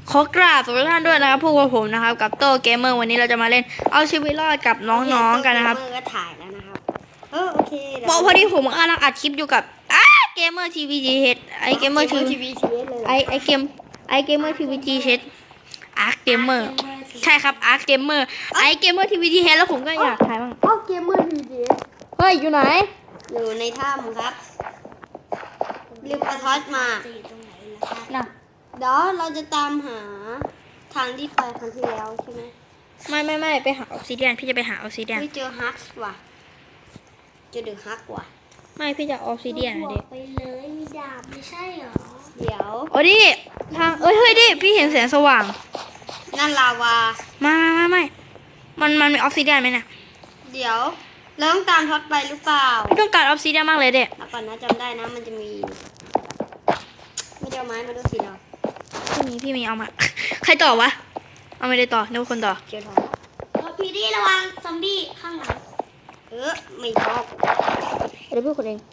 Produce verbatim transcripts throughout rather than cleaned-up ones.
ขอกราบสวัสดีทุกท่านด้วยนะครับพวกกับผมนะครับกับโตเกมเมอร์วันนี้เราจะมาเล่นเอาชีวิตรอดกับน้องๆกันนะครับเกมเมอร์ก็ถ่ายแล้วนะครับเออโอเคเดี๋ยวบอกพอดีผมกำลังอัดคลิปอยู่กับอ้าเกมเมอร์ทีวีจีเฮดไอเกมเมอร์ทีทีวีทีเอสเลยไอไอเกมไอเกมเมอร์ทีวีจีเฮดอาร์คเกมเมอร์ใช่ครับอาร์คเกมเมอร์ไอเกมเมอร์ทีวีจีเฮดแล้วผมก็อยากถ่ายบ้างอ๋อเกมเมอร์ทีวีทีเอสเฮ้ยอยู่ไหนอยู่ในถ้ำครับลืมเอาทอสมาน่ะเดี๋ยวเราจะตามหาทางที่ไปครั้งที่แล้วใช่ไหมไม่ไม่ไม่ไปหาออฟซิเดียนพี่จะไปหาออฟซิเดียนพี่เจอฮักส์ว่ะเจอเดอะฮักว่ะไม่พี่จะออฟซิเดียนนะเด็กไปเลยมีดาบไม่ใช่เหรอเดี๋ยวโอ้ดิทางเอ้ยเฮ้ยดิพี่เห็นแสงสว่างนั่นลาวาไม่ไม่ไม่ไม่มันมันมีออฟซิเดียนไหมเนี่ยเดี๋ยวเราต้องตามทอสไปหรือเปล่าพี่ต้องการออฟซิเดียนมากเลยเด็กแล้วก่อนนะจำได้นะมันจะมีไม่ได้เอาไม้มาดูสิเราพี่มีพี่มีเอามา ใครต่อวะเอาไม่ได้ต่อนึกว่าคนต่อเจอทอสแล้วพี่ดีระวังซอมบี้ข้างหลังเออไม่ชอบเดี๋ยวพี่คนเอง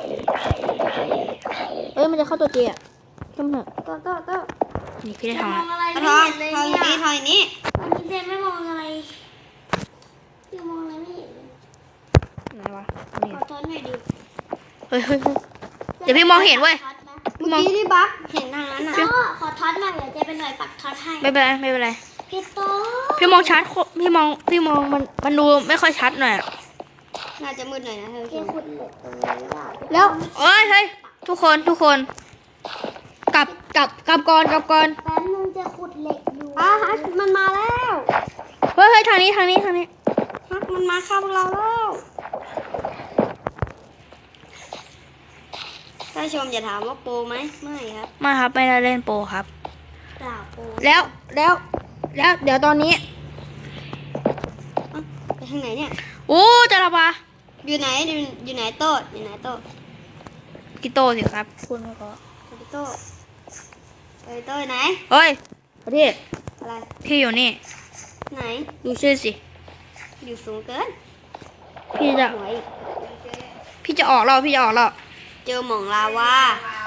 เอ้ยมันจะเข้าตัวเจอ่ะเข้ามาเถอะก็ก็ก็นี่พี่ได้จะทำมแล้อวงอะไรทไม่อเห็นเลยทอเนี่นี้ยทอนี้วันนี้เจนไม่มองอะไรพี่มองอะไรไม่เห็นเลยไหนวะขนี่อทอดหน่อยดิเฮ้ยเฮ้ยเฮ้ย เดี๋ยวพี่มองเห็นเว้ยทอดนะเมื่อกี้ที่บักเห็นทางนั้นน่ะพ่อขอทอดหน่อยเดี๋ยวเจนเป็นหน่วยปักทอดให้ไม่เป็นไรไม่เป็นไรพี่โตพี่มองชัดโคพี่มองพี่มองมันมันดูไม่ค่อยชัดหน่อยอะน่าจะมืดหน่อยนะเธอเจนขุดเหล็กตรงนี้ได้แล้วเอ้ยเฮ้ยทุกคนทุกคน กลับกลับกลับก่อนกลับก่อนแป๊บนึงจะขุดเหล็กอยู่อ่ะฮักมันมาแล้วเฮ้ยเฮ้ยทางนี้ทางนี้ทางนี้ฮักมันมาฆ่าพวกเราแล้วถ้าชมอย่าถามว่าโปรไหมไม่ครับไมาครับไม่ได้เล่นโปรครับเปล่าโปแล้วแล้วแล้วเดี๋ยวตอนนี้อ่ะไปทางไหนเนี่ยโอ้จะระบาอยู่ไหนอยู่อยู่ไหนโต๊ะอยู่ไหนโต๊ะกิโตสิครับคุณไม่ก็ไปโต๊ะไปโต๊ะไหนเฮ้ยพี่อะไรพี่อยู่นี่ไหนดูชื่อสิอยู่สูงเกินพี่จะหัวอีกพี่จะออกแล้วพี่จะออกแล้วเจอหม่องลาวา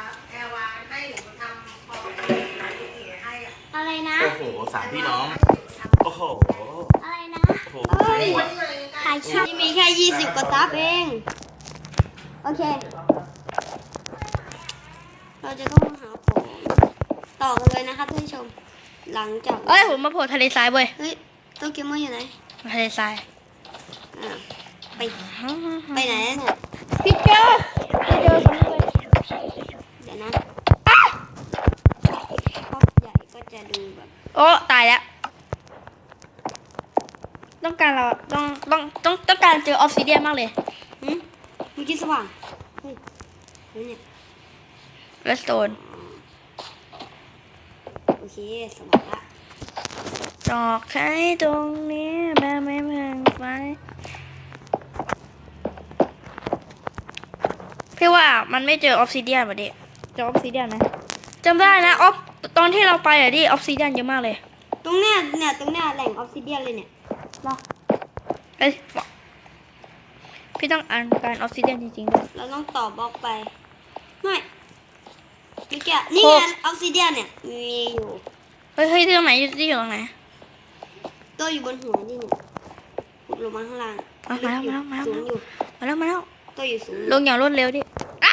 อะไรนะโอ้โหสามพี่น้อง โอ้โหอะไรนะโอ้โหเอ้ยถ่ายคลิปนี่มีแค่ยี่สิบกว่าซับเอง โอเค เราจะต้องมาหาของต่อกันเลยนะครับท่านผู้ชม หลังจากเอ้ยผมมาโผล่ทะเลทรายเว้ยเฮ้ยโตัวเกมเมอร์อยู่ไหนทะเลทรายอ่าไป ไปไหนเนี่ยพี่เจอพี่เจอคนนี้เลยเดี๋ยวนะป๊อปใหญ่ก็จะดูแบบโอ้ตายแล้วต้องการเราต้องต้องต้องต้องการเจอออฟซิเดียนมากเลยหืมเมื่อกี้สว่าง เฮ้ยเฮ้ยเนี่ยเรสโตนโอเคสว่างละดอกไม้ตรงนี้แบบไม่แพงไฟพี่ว่ามันไม่เจอออฟซิเดียนว่ะดิเจอออฟซิเดียนไหมจำได้นะออฟตอนที่เราไปอะดิออฟซิเดียนเยอะมากเลยตรงเนี้ยเนี่ยตรงเนี้ยแหล่งออฟซิเดียนเลยเนี่ยเอ้ยพี่ต้องอ่านการออฟซิเดียนจริงๆด้วยเราต้องต่อบล็อกไป ไม่เมื่อกี้นี่ไงออฟซิเดียนเนี่ย มีอยู่เฮ้ยเฮ้ยที่ตรงไหนที่อยู่ตรงไหนตัวอยู่บนหัวนี่เนี่ยขุดลงมาข้างล่างอ่ะมาแล้วมาแล้วมาแล้วสูงอยู่มาแล้วมาแล้วตัวอยู่สูงลงอย่างรวดเร็วดิอ่ะ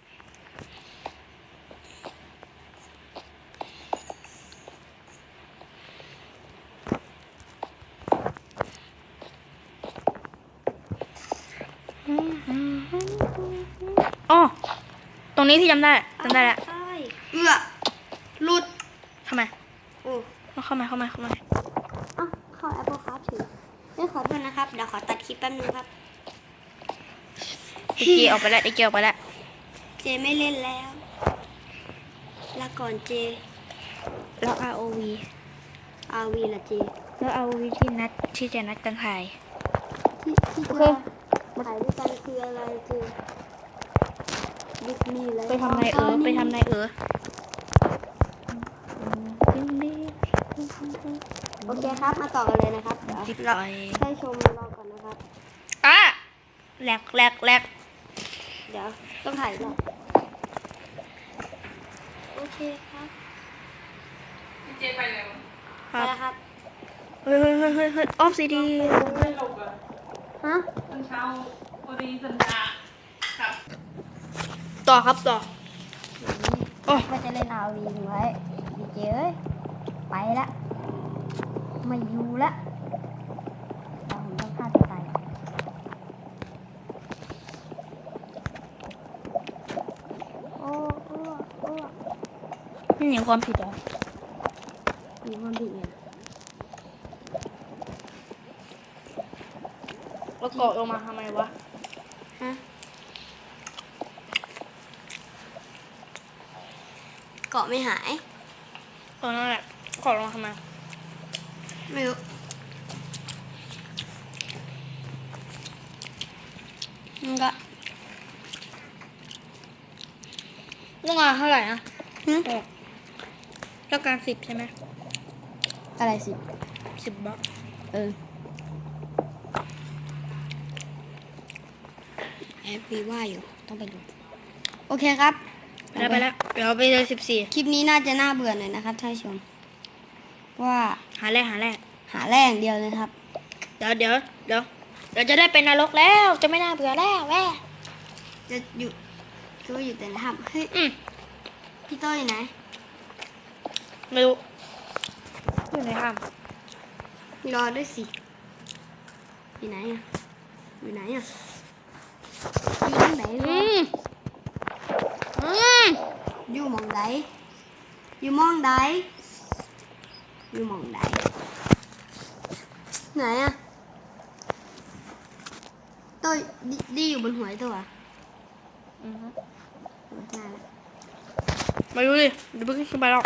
อ๋อตรงนี้พี่จำได้จำได้แล้วใช่เอื้อหลุดทำไมโอ้เข้ามาเข้ามาเข้ามาเอ้าเข้า Apple Card ถือไม่ขอโทษนะครับ เดี๋ยวขอตัดคลิปแป๊บนึงครับดิเกีออกไปแล้วดิเกีออกไปแล้วเจไม่เล่นแล้ว ลาก่อนเจแล้ว อาร์ โอ วีอาวีละเจแล้ว อาร์ โอ วี ที่นัดที่จะนัดกันถ่ายที่ที่โอเธเคอถ่ายด้วยกันคืออะไรเจดิสนีย์เลยไปทำนายเออไปทำนายเออโอเคครับ มาต่อกันเลยนะครับ เดี๋ยวติดเราไปให้ชมรอก่อนนะครับอ่ะแหลกแหลกแหลกเดี๋ยวต้องถ่ายอีกรอบโอเคครับเจไปแล้วคไปรับแล้วครับเฮ้ยเฮ้ยเฮ้ยเฮ้ยเฮ้ยออฟซีดีไม่หลบอ่ะฮะตอนเช้าพอดีสัญญาครับต่อครับต่อ โอ้ว่าจะเล่นอาวีไว้ดีเจเอ้ยไปละไม่อยู่ละเราผมต้องฆ่าตัวตายโอ้โอ้โอ้ไม่มีความผิดเหรอมีความผิดไงแล้วเกาะลงมาทำไมวะฮะเกาะไม่หายเออนั่นแหละเกาะลงมาทำไมไม่รู้มันก็ต้องมาเท่าไหร่นะหึต้องการสิบใช่ไหมอะไรสิสิบบาทเออแอบวีว่าอยู่ ต้องไปดู โอเคครับไปแล้วไปแล้วเดี๋ยวไปเลยสิบสี่คลิปนี้น่าจะน่าเบื่อหน่อยนะครับท่านผู้ชม ว่าหาแรกหาแรกหาแรงเดียวเลยครับเดี๋ยวเดี๋ยวเดี๋ยวเดี๋ยวจะได้เป็นนรกแล้วจะไม่น่าเบื่อแล้วแม่จะอยู่คือว่าอยู่แต่ในถ้ำเฮ้ยอืมพี่โต้อยู่ไหนไม่รู้อยู่ในถ้รอด้วยสิอยู่ไหนอ่ะอยู่ไหนอ่ะอยู่ที่ไหนำวะอืมอืมอยู่หมองใดอยู่หมองใดอยู่หมองใดไหนอ่ะโต้ยดีดีอยู่บนหัวไอ้ตัวอ่ะอืมเออน่าละไม่รู้ดิเดี๋ยวเพิ่งขึ้นไปหรอก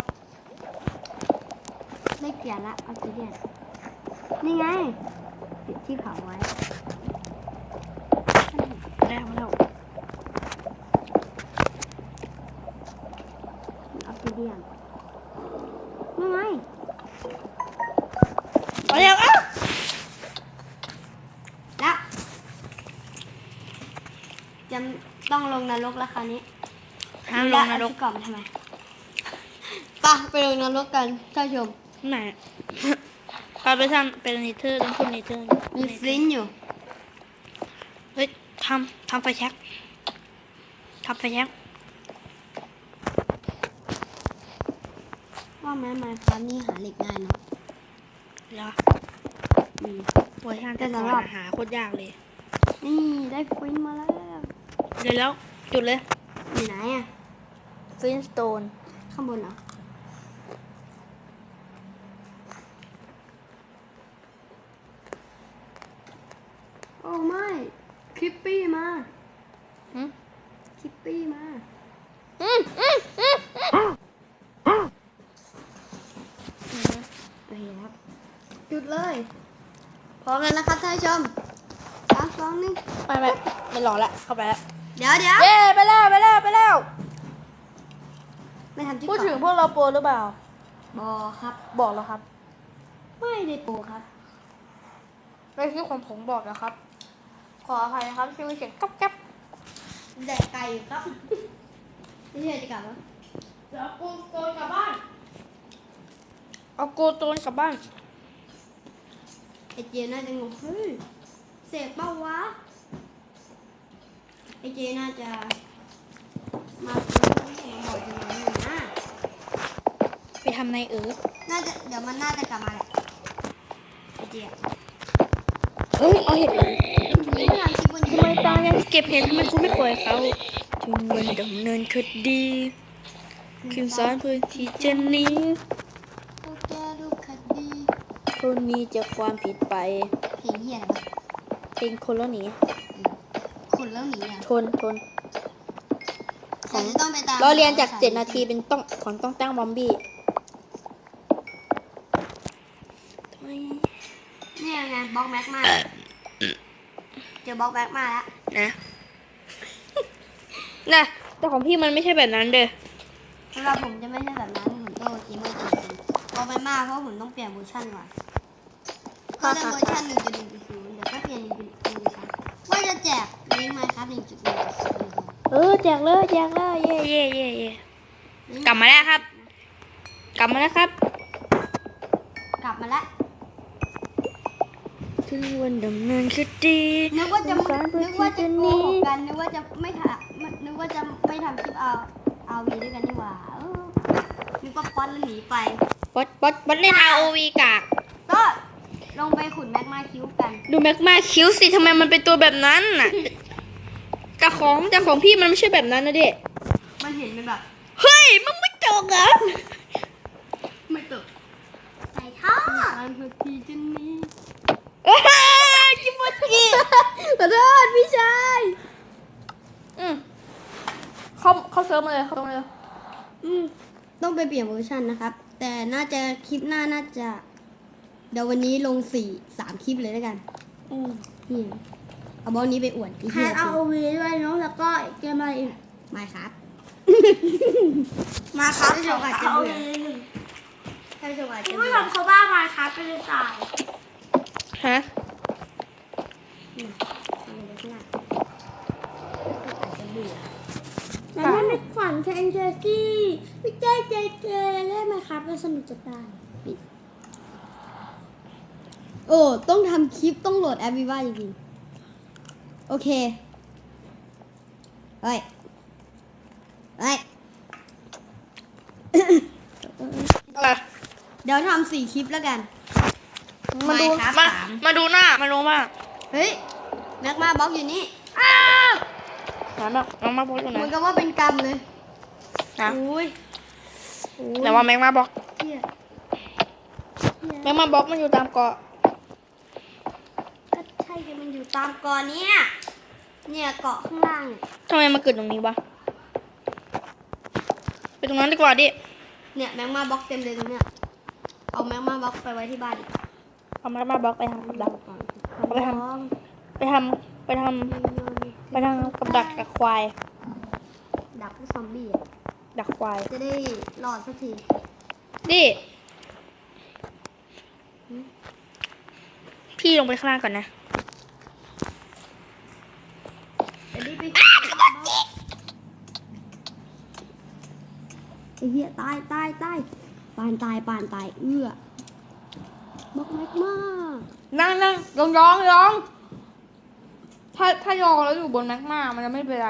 ไม่เปลี่ยนละออสเตรเลียนนี่ไงติดที่เผาไว้ได้มาแล้วออสเตรเลียนนี่ไงมาแล้วอ้าวแล้วจะต้องลงนรกแล้วคราวนี้ห้ามลงนรกแล้วเอาที่ก่อนมาทำไมไปไปลงนรกกันท่านผู้ชมไหนพาไปทำเป็นเนเธอร์ต้องขึ้นเนเธอร์มีฟลินต์อยู่เฮ้ยทำทำไฟแช็กทำไฟแช็กว่าแม้ไมค์ครับนี่หาเหล็กง่ายเนาะเหรออืมเวอร์ชันแต่แต่ก่อนสำหรับอะหาโคตรยากเลยนี่ได้ฟลินต์มาแล้วเดี๋ยวแล้วจุดเลยอยู่ไหนอ่ะฟินสโตนข้างบนเหรอโอ้ไม่คลิปปี้มาอืมคลิปปี้มาอืมอืมอืมอืมโอเคครับจุดเลยพร้อมแล้วนะครับท่านผู้ชมสามสองหนึ่งไม่ไม่ไม่รอละเข้าไปแล้วเดี๋ยวเดี๋ยวเย้ไปแล้วไปแล้วไปแล้วไม่ทำจิ๊กพูดก่ถึงอนพวกเราโปรหรือเปล่าบอครับบอกแล้วครับไม่ได้โปรครับในคลิปของผมบอกแล้วครับ ขออภัยนะครับที่มีเสียงก๊อบแก๊บแดกไก่อยู่ครับนี่เธอจะกลับแล้วเดี๋ยวกูโกนกลับบ้านเอาโกโจนกลับบ้านไอเจน่าจะงงเฮ้ยเสกเป้าวะไอเจน่าจะมาซื้อมาบอกจะมาหนึ่งนะไปทำในเออน่าจะเดี๋ยวมันน่าจะกลับมาแหละไอเจอะเฮ้ยเอาเห็ดไม่ทำคลิปบนยูทำไมตายังเก็บเห็ดทำไมคุณไม่ปล่อยเขาถึงวันดำเนินคดีคืนสารเพื่อที่จะหนีพวกแกดูคดีคนมีจากความผิดไปเพลงเฮียอะไรวะเพลงคนแล้วหนีคนแล้วหนีอ่ะทนทนของต้องไปตามเราเรียนจากเจ็ดนาทีเป็นต้องของต้องตั้งบอมบี้นี่ไงบล็อกแม็กมาเจอบล็อกแม็กมาแล้วนะนะแต่ของพี่มันไม่ใช่แบบนั้นเด้อสำหรับผมจะไม่ใช่แบบนั้นผมโตจีเมอร์จริงๆเอาไปมากเพราะผมต้องเปลี่ยนเวอร์ชันก่อนก็จะเวอร์ชันหนึ่งจุดหนึ่งจุดศูนย์เดี๋ยวก็เปลี่ยนหนึ่งจุดหนึ่งจุดสามว่าจะแจกลิงก์ไหมครับหนึ่งจุดหนึ่งจุดศูนย์เออแจกเลยแจกเลยเย่เย่เย่เย่กลับมาแล้วครับ กลับมาแล้วครับมาแล้วถึงวันดำเนินคดีนึกว่าจะสารนึกว่าจะโกนี้หกกันนึกว่าจะไม่ทำนึกว่าจะไม่ทำคลิปเอาเอาวีด้วยกันนี่หว่าเออนึกว่าป๊อตแล้วหนีไปบอสบอสบอสเล่น อาร์ โอ วี กากก็ลงไปขุดแมกมาคิวกันดูแม็กมาคิวสิทำไมมันเป็นตัวแบบนั้นน่ะแต่ของแต่ของพี่มันไม่ใช่แบบนั้นนะเด็กมันเห็นเป็นแบบเฮ้ยมึงไม่จบเหรอไม่ตกใส่ท่ออันพอทีจะหนี้อ้าวจิบจิขอโทษพี่ชายอืมเขาเขาเซิร์ฟมาเลยเขาเซิร์ฟมาเลยอืมต้องไปเปลี่ยนเวอร์ชันนะครับ แต่น่าจะคลิปหน้าน่าจะ เดี๋ยววันนี้ลงสี่สามคลิปเลยแล้วกันอืมนี่เอาบอลนี้ไปอวดไอ้แฮเหี้ยนเอาวีด้วยเนาะแล้วก็เกมอะไรอีกไม่ครับมาครับท่านผู้ชมอาจจะเอาเบื่อวีหนึ่งท่านผู้ชมอาจจะคุณเบื่ผู้อชมเขาบ้ามาครับไปเลยตายฮะอืมเอาไปเลยข้างหน้าอาจจะเบื่อแต่ถ้าไม่ฝันแคนเจอซี่ไม่แจ้ใจเกเล่นมาครับก็สนุกจะตายโอ้ต้องทำคลิปต้องโหลดแอปวีว่าจริงๆโอเคเฮ้ยเฮ้ยอะไรเดี๋ยวทำสี่คลิปแล้วกันมาดู Minecraft มาสามมาดูหน้ามาดูมากเฮ้ยแม็กมาบล็อกอยู่นี่หาแบบแม็กมาบล็อกอยู่ไหนเหมือนกับว่าเป็นกรรมเลยนะอุ้ยไหนว่าแม็กมาบล็อกเหี้ยแม็กมาบล็อกมันอยู่ตามเกาะก็ใช่ที่มันอยู่ตามกอเนี่ยเนี่ยเกาะข้างล่างเนี่ยทำไมมาเกิดตรงนี้วะไปตรงนั้นดีกว่าดิเนี่ยแม็กมาบล็อกเต็มเลยตรงเนี้ยเอาแม็กมาบล็อกไปไว้ที่บ้านดิเอาแม็กมาบล็อกไปทำกับดักก่อนเอาไปทำ ไปทำไปทำไปทำกับดักกับควายดักพวกซอมบี้อะดักควายจะได้รอดสักทีดิพี่ลงไปข้างล่างก่อนนะจะได้ไปไอ้เหี้ยตายตายตายปานตายปานตายเอื้อบล็อกแม็กมานั่งนั่งยองยองยองถ้าถ้ายองแล้วอยู่บนแม็กมามันจะไม่เป็นไร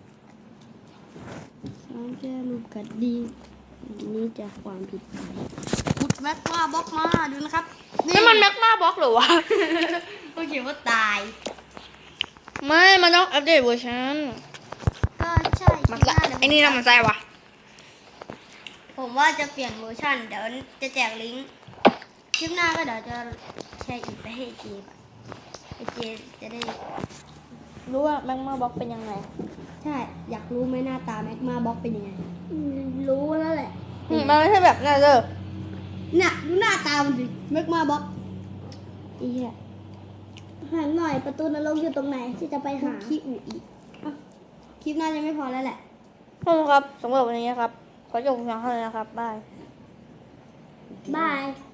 ฉันจะลูกกัดดีอันนี้จะความผิดไปขุดแม็กมาบล็อกมาดูนะครับนี่มันแม็กมาบล็อกเหรอวะก็เขียนว่าตายไม่ มันต้องอัปเดตเวอร์ชันก็ใช่มันคลิปหน้าเดี๋ยวไอ้นี่น่ามันใจวะผมว่าจะเปลี่ยนเวอร์ชันเดี๋ยวจะแจกลิงก์คลิปหน้าก็เดี๋ยวจะแชร์อีกไปให้เจก่อนไอเจจะได้รู้ว่าแม็กมาบล็อกเป็นยังไงใช่ อยากรู้ไหมหน้าตาแม็กมาบล็อกเป็นยังไงอืมรู้แล้วแหละอืมมันไม่ใช่แบบนั้นเลยเนี่ยดูหน้าตามันดิแม็กมาบล็อกไอ้เหี้ยหันหน่อยประตูนรกอยู่ตรงไหนที่จะไปคุหากขี้อูอีกอ่ะคลิปหน้าจะไม่พอแล้วแหละขอบคุณครับสำหรับวันนี้นะครับ ขอจบเพียงเท่านี้นะครับ บายบาย